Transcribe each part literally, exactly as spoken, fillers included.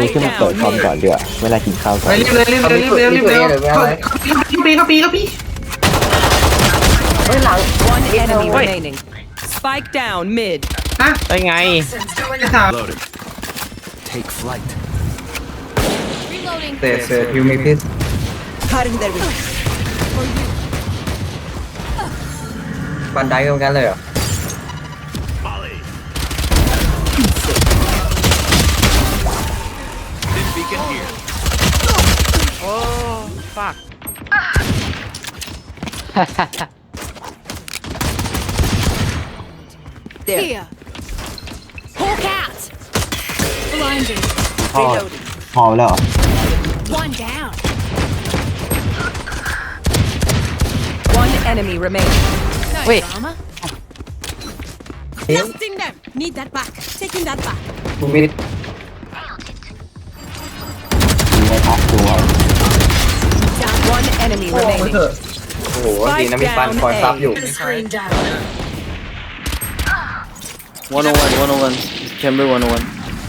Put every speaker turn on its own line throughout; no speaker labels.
ขึ้นมาเปิดคอมก่อนดีกว่าเวลากินข้าวก่อน
รีบเลยรีบเลยรีบเลยรีบเลยเข้าปีเข้าปีเข้าปีเฮ้ยหลัง
One enemy remaining. Spike down mid.
ฮะ
ได้ไง
จะถาม
Take flight.
เตะเสือยูมีพิษ
Cutting their way.
บันไดตรงนั้นเลยเหรอ
This beacon here.
โอ้ฟัก
There.
Here. Hawk out. Blinding.
พอพอแล้วเหรอ
One down.
One enemy remaining.
No
Wait.
drama. Blasting them. Need that back. Taking that back.
บูมิด
มีไว้พักตัว
One enemy
โอ้โห
remaining.
เถอะโอ้โหดีนะมีฟันคอยซับอยู่
one oh one one oh one chamber one oh one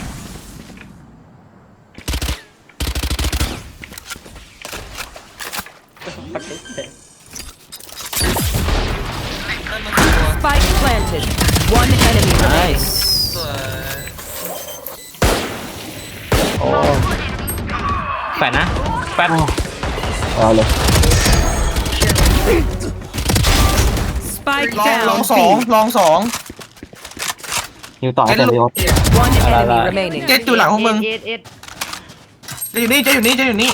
Spike planted. One enemy remaining.
nice โอ้แฟนนะแฟน
เอาเลย
Spike
ลองลอง
down
สอง
B.
ลองสอง
ฮิวต่อให้เต็มยศ
One enemy
Alright.
remaining.
เจ็ดอยู่หลังของมึง
เอ็ดเอ็ด
จะอยู่นี่จะอยู่นี่จะอยู่นี่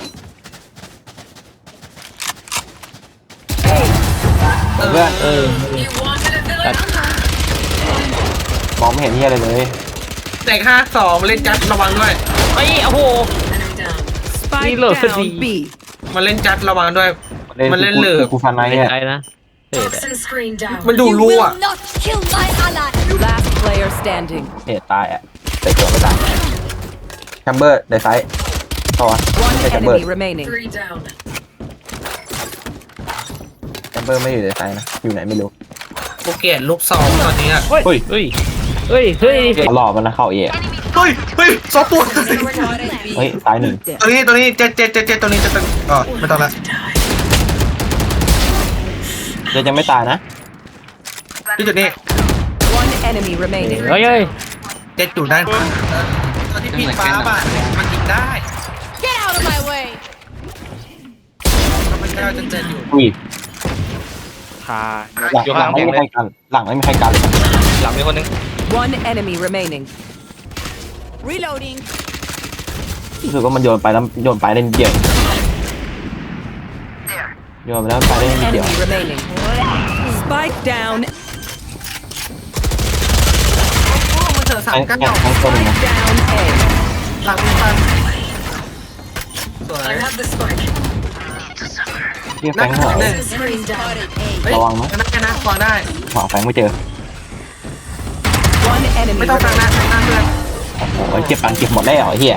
เพื่อน
เออ
มองไม่เห็นเฮียอะไรเลย
แตกห้าสองเล่นจัดระวังด้วย
ไอ้โอ้โห
Spike
Reload for
down
D.
B.
มันเล่นจัดระวังด้วย มันเล่นเหลือ
กูฟันไน
ไม่
เนี่ย
ใช่นะเอ็ด
มันดู
You
รู้
will
อ่ะ
not kill my ally.
Last player standing.
เหตุตายอ่ะแต่ตัวไม่ตายแชมเบอร์ในไซส์ต่อ
One
ไม่ใช่แชมเบอร์
enemy remaining.
แชมเบอร์ไม่อยู่ในไซส์นะอยู่ไหนไม่รู้
กูเกลียดลูกสองตอนนี้อ่ะ
เฮ้ยเฮ้ยเฮ้ยเฮ้ย
เขาหลอกมันนะเข้าเอ
เฮ้ยเฮ้ยสองตัว
เฮ้ยตายหนึ่ง
ตัวนี้ตัวนี้เจ็ดเจ็ดเจ็ดเจ็ดตัวนี้จะเป็นอ๋อไม่ต้องละ
เดี๋ยวยังไม่ตายนะ
ที่จุดนี้
One enemy remaining.
เฮ้ยเฮ้ย
เจ็ดจุดได้ตอนที่ผิดฟ้าป่ะมันยิงได้
Get out of my way.
มันก็จะเจ็ดอยู่
อุ้ย
พา
หลัง
อยู่
หลั
ข้าง ง
ไม่
แข็ง
มี
เล
ใคร
ย
กันหลังไม่มีใครกันเลย
หลังมีคนนึง
One enemy remaining.
Reloading.
รู้สึกว่ามันโยนไปแล้วโยนไปเล่นเดี่ยวโยนไปแล้วไปเล่นเดี่ยว
Enemy remaining. Spike down.
มันเจอสาม
ทั้ง
กัน
ทั้งทั้งต้นนะ
Down A.
หลังมีฟันสวย
เรียกแฟ
นั่ง
ง
ห
หน่อย
นึ่ง
ระวังนะ
นั่งนะฟังได้
หาแฟงไม่เจอ
One enemy
ไม่ต้องฟัง
remaining.
นะฟังหน้าเพื่อน
โอ้ยเก็บปันเก็บหมดแล้วไอ้เหี้ย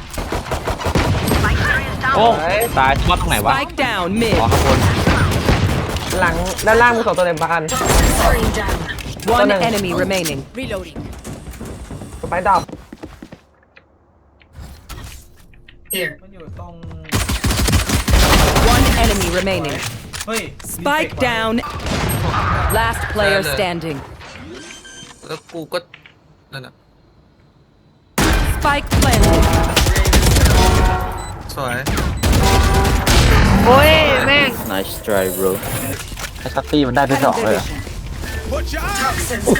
โอ้ตายมอดตรงไหนวะ
Spike down mid.
อ๋อข้างบน
หลังด้านล่างมีสองตัวเต็มปาน
One enemy remaining.
Reloading.
ไปดับมันอยู่ตรง
One enemy remaining.
เฮ้ย
Spike down. Last player standing.
แล้วกูก็นั่นน่ะ
Spike planted.
สวย
โอ้ยแม่ง nice try bro
ไอ้ซัตตี้มันได้ไปสองเลยอะ
Watch out!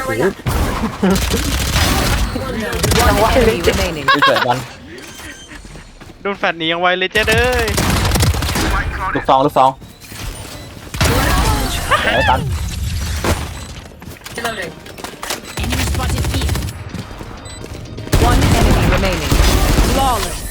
One enemy remaining.
ที่เกิดมัน
โดนแฟนหนียังไวเลยเจ๊เด้ย
ลูกซองลูกซองไอ้ตัน
Enemy spotted here.
One enemy remaining. Flawless.